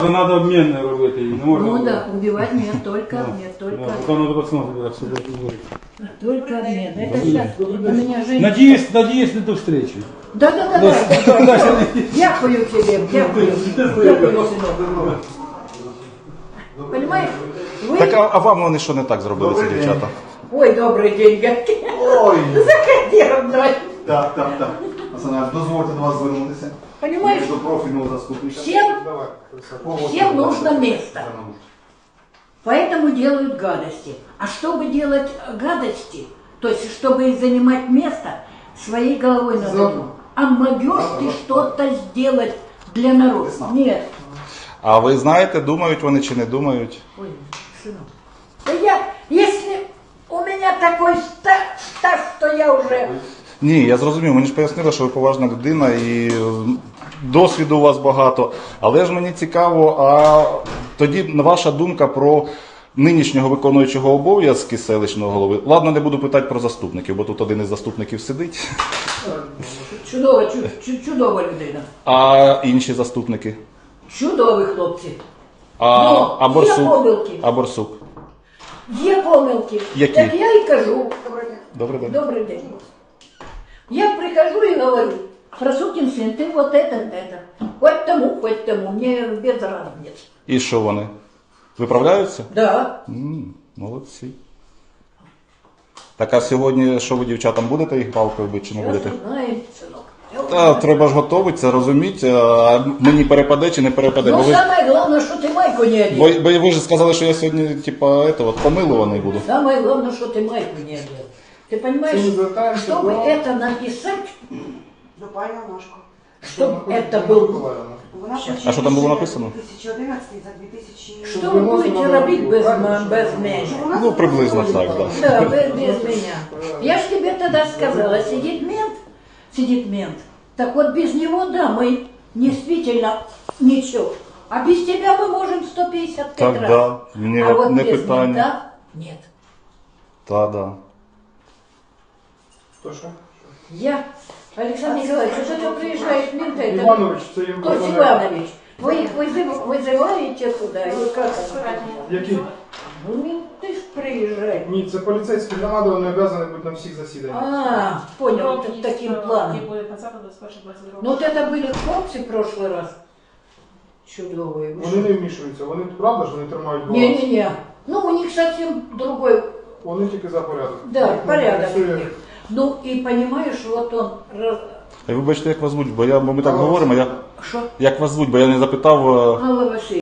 Надо обмен робити, не можна. Ну да, убивать нет, только Да. обмен, только. Да, потом надо посмотреть, как все будет говорить. Только обмен. Это сейчас у меня же... Надеюсь на ту встречу. Да. Дякую тебе, дякую. Дякую, синок. Понимаешь? Вы... Так, а вам вони що не так зробили, ці дівчата? Ой, добрый день, гадки. Ой, Заходи, родной. так. Пацаны, дозвольте до вас звернутися. Понимаешь? До профільного заступника. Всем нужно место. Поэтому делают гадости. А чтобы делать гадости, то есть чтобы занимать место, своей головой надо думать. А могешь ты что-то сделать для народа? Нет. А ви знаєте, думають вони чи не думають? Ой, сынок. Да если у меня такой стаж, что я уже... Ні, я зрозумів, мені ж пояснили, що ви поважна людина і досвіду у вас багато. Але ж мені цікаво, а тоді ваша думка про нинішнього виконуючого обов'язки селищного голови. Ладно, не буду питати про заступників, бо тут один із заступників сидить. Чудова людина. А інші заступники? Чудові хлопці. А Є Борсук? помилки. А Борсук? Є помилки. Які? Так я і кажу. Добрий день. Добрий день. Я прихожу и говорю, Просукин сын, ты вот это. Хоть тому, мне без разницы. І що вони? Виправляються? Да. Молодці. Так а сьогодні що ви дівчатам будете їх палкою бити чи не будете? Сейчас узнаем, сынок. Та, треба ж готуватися, розуміти, а мені перепаде чи не перепаде. Ну, Бо ви, самое главное, что ты майку не одел. бо ви ж сказали, що я сьогодні, типа, помилуваний буду. Самое главное, что ты майку не одел. Ты понимаешь, чтобы это написать, чтобы это был... А що там було написано? 2011 за 2000... Что вы будете робить без меня? Ну, приблизно так, так. Да, без меня. Я ж тебе тогда сказала, сидит мент. Так вот без него, да, мы действительно ничего. А без тебя мы можем 155 Так, раз. да, мне а вот не без питание. мента нет. Та, да. Я, Александр Николаевич, что ты приезжаешь мента? Это... Иванович, це їм Тот Иванович, вы их вызываете туда или как это? Які? Ну, менты ж приезжают. Ні, це поліцейські громади, вони обов'язані бути на всіх засіданнях. А, понял, вот таким планом. Ну вот это были хлопцы в прошлый раз. Чудовые. Вони не вмішуються, вони правда ж вони тримають баланс? Не-не-не. Ну у них совсем другой, Вони тільки за порядок. да, порядок у Все. них. Ну и понимаешь, вот он... А вибачте, як вас звуть, бо ми так говоримо, Что? як вас звуть, бо я не запитав. Алла Васильевна.